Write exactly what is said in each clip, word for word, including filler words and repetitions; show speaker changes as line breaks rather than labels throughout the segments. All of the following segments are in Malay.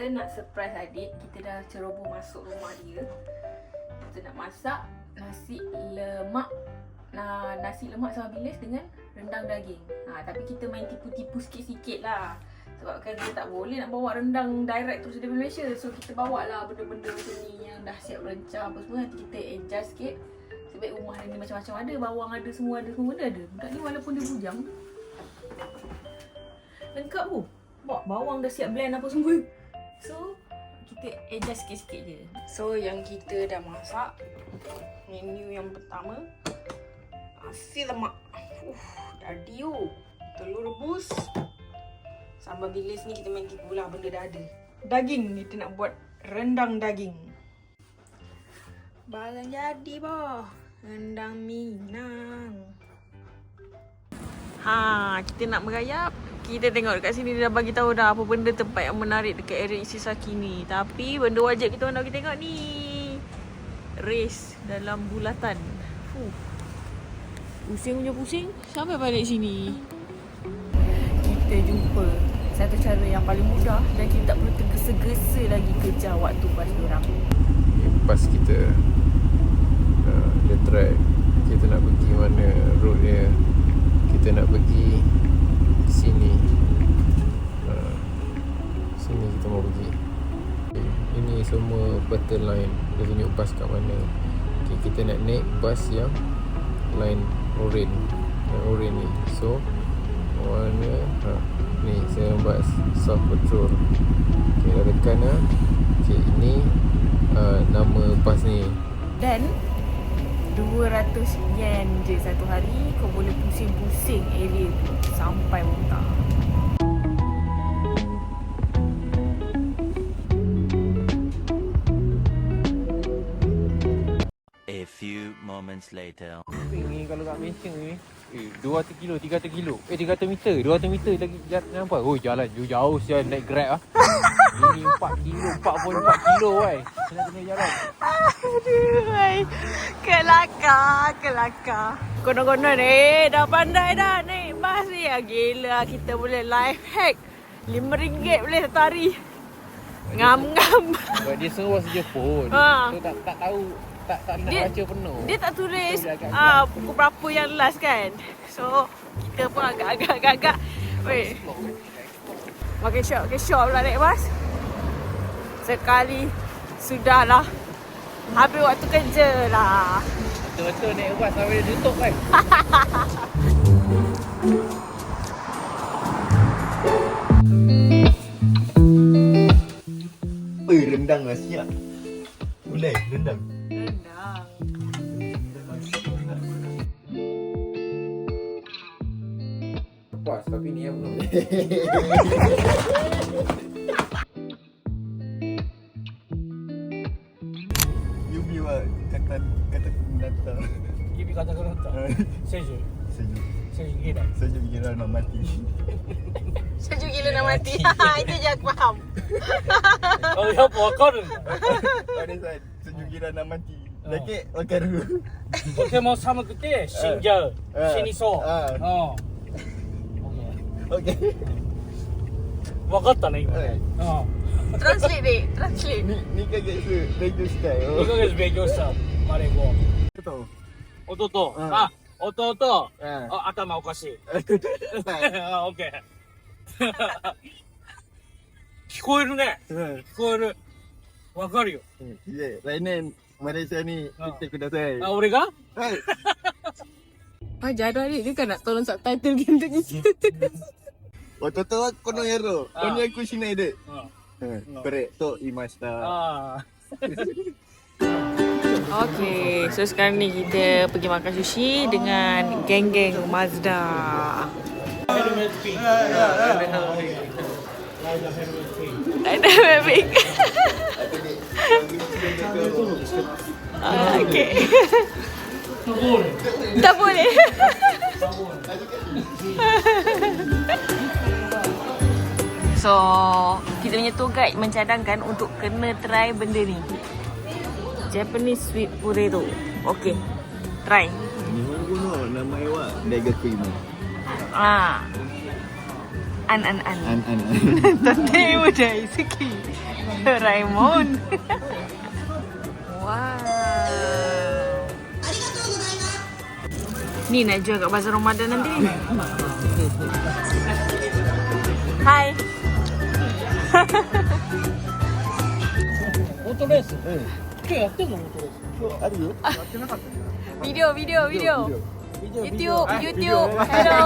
kita nak surprise adik. Kita dah ceroboh masuk rumah dia. Kita nak masak nasi lemak. Nah, nasi lemak sama bilis dengan rendang daging. Ha, tapi kita main tipu-tipu sikit-sikit lah. Sebab kan kita tak boleh nak bawa rendang direct terus dari Malaysia. So kita bawa lah benda-benda macam ni yang dah siap rencah apa semua. Nanti kita adjust sikit. Sebab rumah ni macam-macam ada. Bawang ada, semua ada, semua benda ada. Budak ni walaupun dia bujang, lengkap pun. Bawa bawang dah siap blend apa semua. So kita adjust sikit-sikit je. So yang kita dah masak, menu yang pertama nasi lemak. Uh, jadi yuk. Telur rebus. Sambal bilis ni kita main tipu lah, benda dah ada. Daging, kita nak buat rendang daging. Barang jadi boh. Rendang Minang. Ha, kita nak merayap. Kita tengok dekat sini dia dah bagi tahu dah apa benda tempat yang menarik dekat area Isisaki ni. Tapi benda wajib kita nak kita tengok ni. Race dalam bulatan. Fuh. Pusing punya pusing. Sampai balik sini. Kita jumpa satu cara yang paling mudah dan kita tak perlu tergesa-gesa lagi kejar waktu bas diorang.
Pas kita uh, dia track, kita nak pergi mana road dia. Kita nak pergi sini. Uh, sini kita mau pergi. Ini semua battle line. Dia tunjuk bas kat mana. Okay, kita nak naik bas yang line orange. Yang orange ni. So mana ha, ni saya bas South Patrol. Okay, dah tekan lah. Okay, ini uh, nama bas ni.
Dan dua ratus yen je satu hari. Kau boleh pusing-pusing area tu sampai muntah.
A few moments later.
Ni kalau kat Malaysia ni eh, dua ratus kilo, tiga ratus kilo. Eh tiga ratus meter, dua ratus meter lagi jalan nampak. Oh jalan jauh-jauh sial naik Grab ah. Ini empat kilo, empat puluh empat kilo wei. Kena kena jalan.
Aduh, ay. Kelakar, kelakar. Konon-konon eh, dah pandai dah naik bas ni. Ya, gila, kita boleh life hack. lima ringgit boleh satu hari. Ngam-ngam.
Sebab dia sewa saja pun.
Ha.
So tak tak tahu, tak tak nak
Dia,
baca penuh.
dia tak tulis
So,
ah pukul berapa yang last kan. So, kita pun agak-agak-agak. Weh. Makan shop, makan shop pula naik bas. Sekali sudahlah. Habis waktu kerja lah.
Betul-betul naik bas sampai dia tutup kan.
Eh, rendang lah siap. Boleh, rendang.
Rendang.
Puas tapi ni yang belum.
You biar kata kata penata.
Gibi kata-kata. Sejuk.
Sejuk.
Sejuk gila.
Sejuk gila nak mati.
Sejuk gila nak mati. Itu je aku faham.
Oh, ya apa kau ni?
Ada saat sejuk gila nak mati. Lagi makan dulu.
Pokemon sama kita, Shinja,
Ah.
Shiniso.
Ah.
Oh.
Okey.
Wakatta ne今
はい
ね。うん。
Translate deh, translate.
Ni ni kagak se radio style.
にかげつ勉強したマレー語。
Betul.
弟、
うん
あ、弟、
Ah.
あ、頭おかしい。
Betul.
あ、オッケー。聞こえるね。
Hmm.
聞こえる。わかるよ。
Ya, lain Malaysia ni
Ah.
kita kudasai.
あ、俺が
Hai.
Pajar dah ni, dia kan nak tolong subtitle kita ni.
Watoto wa kono yaro.
Ah.
Kono yaku shinai de.
うん。
Hmm. Korek to imashita.
ああ。
Okay, so sekarang ni kita pergi makan sushi dengan geng-geng Mazda.
Helmet pink.
Ada Mavic. Ah, okay. Tak boleh. So, kita punya tour guide mencadangkan untuk kena try benda ni. Japanese sweet potato. Okay, try.
Nihongo no namae wa daigaku ima.
Ah. An an an.
An an.
Tate mo dai suki. Doraemon. Wow. Ni nak jual kat bazar Ramadan nanti. Hai.
Motor race?今日やってんのモートレース。
あるよ。
Video, video, video.
Video,
YouTube,
video.
YouTube. Hello.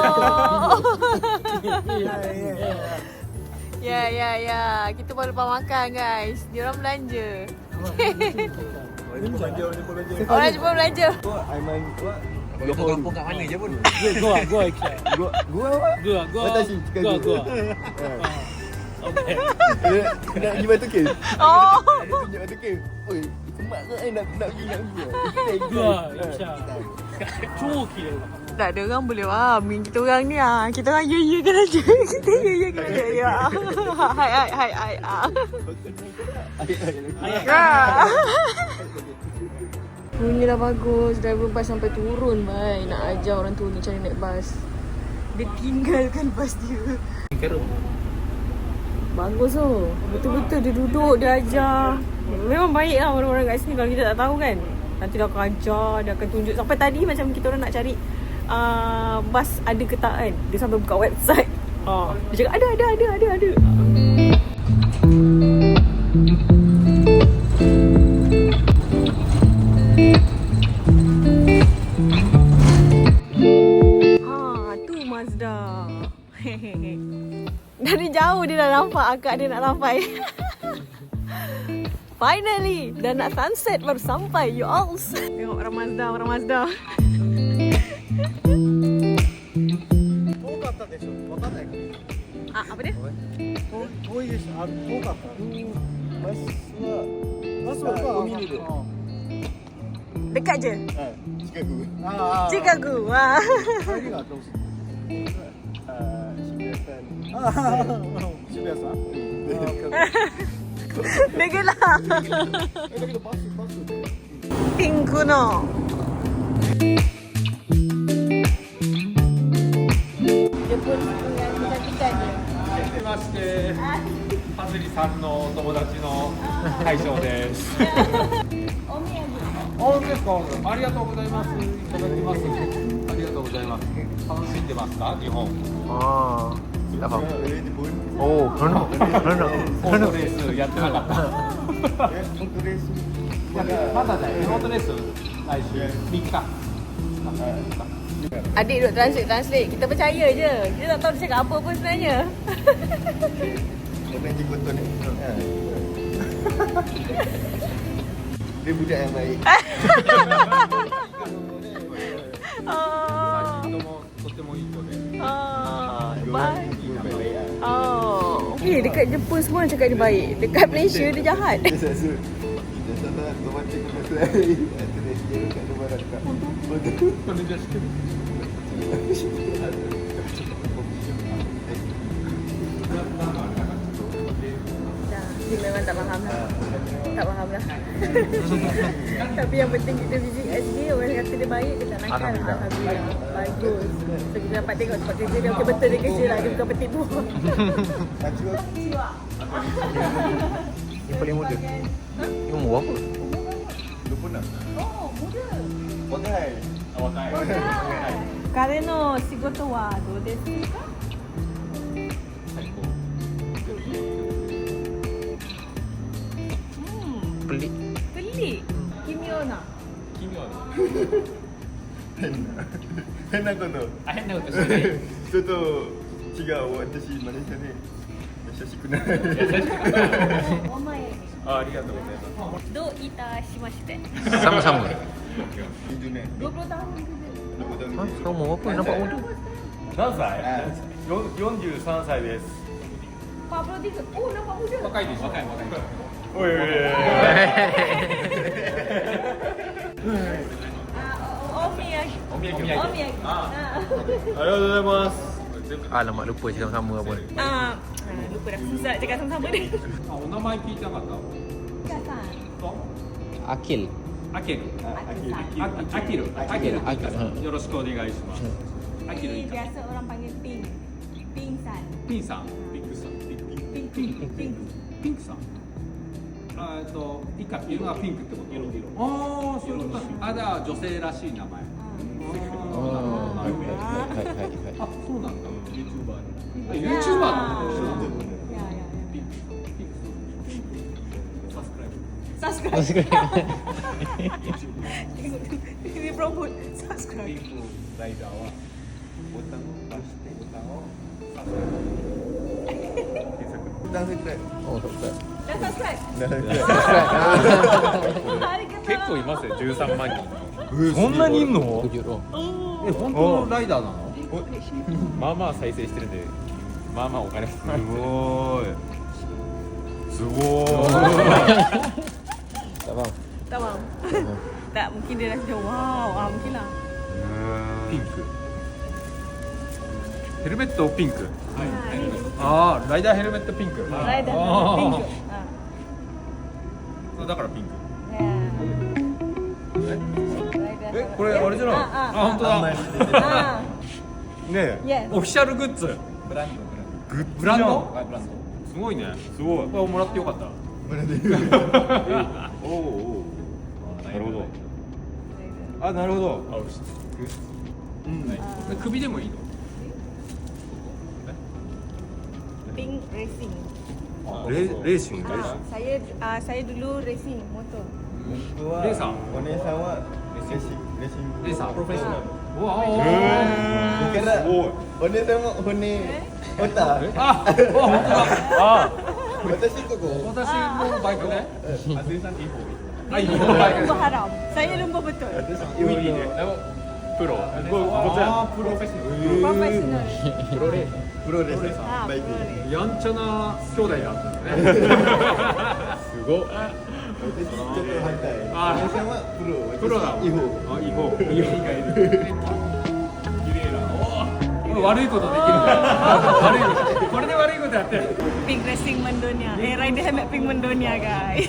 Ya, ya, ya. Kita baru lepas makan, guys. Diorang belanja.
Ini belanja, ini belanja.
Orang Jepun belanja.
Aiman,
Kampung kat mana je pun.
Gua, gua ikut.
gua, gua apa?
Gua, gua.
Watashi, Chicago.
Gua, gua. Okay.
Dia nak pergi Batu Cave.
Oh.
Dia tunjuk Batu Cave. Oi, semak ke eh nak nak pergi nak pergi.
Gua, Isha. 超綺麗だ。
Tak ada orang boleh faham kita orang ni ah. Kita orang ya ya kan aja. Kita ya ya kan aja. Ya. Hai hai hai hai. ah. Ah. Bunyi dah bagus. Driver bas sampai turun bhai. Nak ajar orang tu ni cara naik bas. Dia tinggalkan bas dia. Bagus tu. Betul-betul dia duduk, dia ajar. Memang baik lah orang-orang kat sini kalau kita tak tahu kan. Nanti dia akan ajar, dia akan tunjuk. Sampai tadi macam kita orang nak cari uh, bas ada ke tak kan. Dia sampai buka website. Uh, dia cakap ada, ada, ada, ada, ada. Ha, tu Mazda. Dari jauh dia dah nampak akak dia nak sampai. Finally, dah nak sunset baru sampai you all. Tengok orang Mazda, orang Mazda.
遠かったでしょ。わかんないか。
Ah, apa dia?
遠いでしょ。あ、遠かった。バスはバスは海で。
Dekat je.
Ah, Chicago. Ah.
Chicago. Wah.
Lagi enggak tahu. Ah, Shibuya-san. Shibuya-san.
Dekat lah.
Eh, daけどバスバスで。
ピンクの。Jepun yang cantik-cantik dia.
はじめまして、はずりさんのお友達の大将です。
お土産。
あ、ですか。ありがとうございます。いただきます。ありがとうございます。楽しんでますか、日本。
Ah, tak faham.
Eh, di pun.
Oh, no, no,
オートレースやってなかった。
Eh, untuk race.
まだだよ。オートレース来週みっか。
Adik duk translate-translate. Kita percaya je. Kita tak tahu dia cakap apa pun sebenarnya.
Orang jenggot tu ni. Ha. Dia budak yang baik.
Oh.
どうもとてもいい子で。
Oh. Bye.
Baik-baik ah.
Oh. Eh, dekat Jepun semua orang cakap dia baik. Dekat Malaysia dia jahat.
Dia satu. Dia satu tu macam kena saya. Terus dia dekat luar dekat. Betul.
これじゃしてる。
Dia memang tak faham lah. Tak faham lah. Tapi yang penting kita visit S G, orang kata dia baik, dia tak nakal.
Alhamdulillah.
Alhamdulillah. Bagus. So kita dapat tengok tempat kerja dia. Okay, betul dia kerja lah. Dia bukan petipu.
Kacau.
Yang paling muda. Ni umur berapa?
dua puluh enam.
Oh, muda.
Pakai. Pakai.
彼の仕事はどうですか?
Pelik.
Pelik. Kimiona.
奇妙な。
Henna. Henna kono.
あ、変なことしてない。
ちょっと違う。私マネージャーで優しくない。
お前に。
あ、ありがとうございます。
どういたしまして?
Sama-sama.
Itu ni.
dua puluh tahun kerja.
dua puluh tahun.
Ha, kau umur berapa? Nampak muda.
何歳？
あ
よんじゅうさんさいです。
empat puluh tiga. Oh, nampak muda.
若いでしょ。若い若い。
おいおいおい。
Ah, omiyagi.
お土産。
Omiyagi.
あ、
Ah.
ありがとうございます。
Alamak, lupa cakap sama apa.
Ah, lupa dah. Susah nak cakap sama-sama ni.
あ、お名前聞いてなかった。
Kasan.
と、
Akil.
アケル。
Akisan.
あ、アキル。アキル。
Akil.
よろしくお願いします。アキルい
Ni
いか。
biasa orang panggil ping. Pingsan.
ピンさん。ピンクさん。ピンピン
Ping, ping, ping.
ピンクさん。 あえっと以下色がピンクってこと。色色。ああそういうこと。あじゃあ女性らしい名前。
ああはいはいはいはいはい
あそうなんだ。ユーチューバー。ユーチューバーなの。
Subscribe. Ini promote. Subscribe.
ライダーはボタンを押してボタンを
Dah subscribe.
Oh subscribe
Dah subscribe.
Dah subscribe.
Arigatou.
結構いますよ、じゅうさんまんにん。そんなにいんの？
tujuh roh
え本当のライダーなの？
まあまあ再生してるんで、まあまあお金すごい。すごい。
tak faham
Tak faham. Tak, mungkin dia rasa wow. Ah, mungkin lah.
ピンク。ヘルメットピンク。
ああライダーヘルメットピンク。
Rider
Ah.
pink. Ah.
だからピンク。
Yeah.
えこれあれじゃない？
ああ
あ本当だ。
Ah.
ねえ
Yes.
オフィシャルグッズ。ブランド
グッズ
ブランド？
はいブランド。すごいね。すごい。
これもらってよかった。
おおおお。なるほど。
あなるほど。
Ah.
首でもいいの？
Pink racing.
レレーシング。
Ah, saya ah, saya dulu racing motor.
レーサー。
お姉さんはレーシングレーシング
レーサープロフェッショナル。うわ
だからお姉さんも骨折った
あ、あ、本当だ。
あ
私ここ
私もバイクね。
あ、全さんいい方。
あ、いいバイク。
Lumba haram. Saya lumba betul.
ウィリーで。プロ。ここちらプロフェッショナル。
Professional.
プロレーサー。
プロレス
Ah,
バイク
boleh.
やんちゃな兄弟だったんだね。
すごっ。
私ちょっと反対
あ
お姉さんはプロ
プロだ。
違法
あ、違法。違法がいる。綺麗な。おお。悪いことできるんだよ。悪いこと。これで悪いことやってる。
Pink racing mendunia. Eh, rider helmet pink mendunia, guys.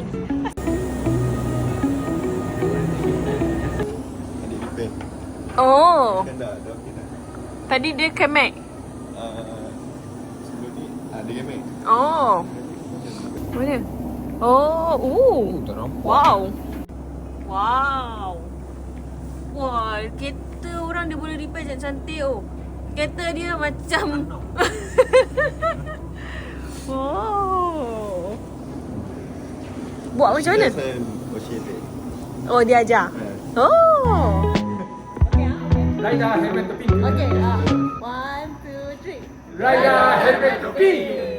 Adik repair
Oh,
kan dah dah okey dah
tadi dia kemek.
Ah, sebelum ni ah dia game
Oh. Mana? Oh, ooh.
tak nampak
Wow. Wow. Wah, kereta orang dia boleh repair cantik-cantik oh. Kereta dia macam Oh. Buat macam mana? Oh, dia ajar. Oh.
ライダーヘルメットピンク。
Okay, ah. One, two, three.
ライダーヘルメットピンク。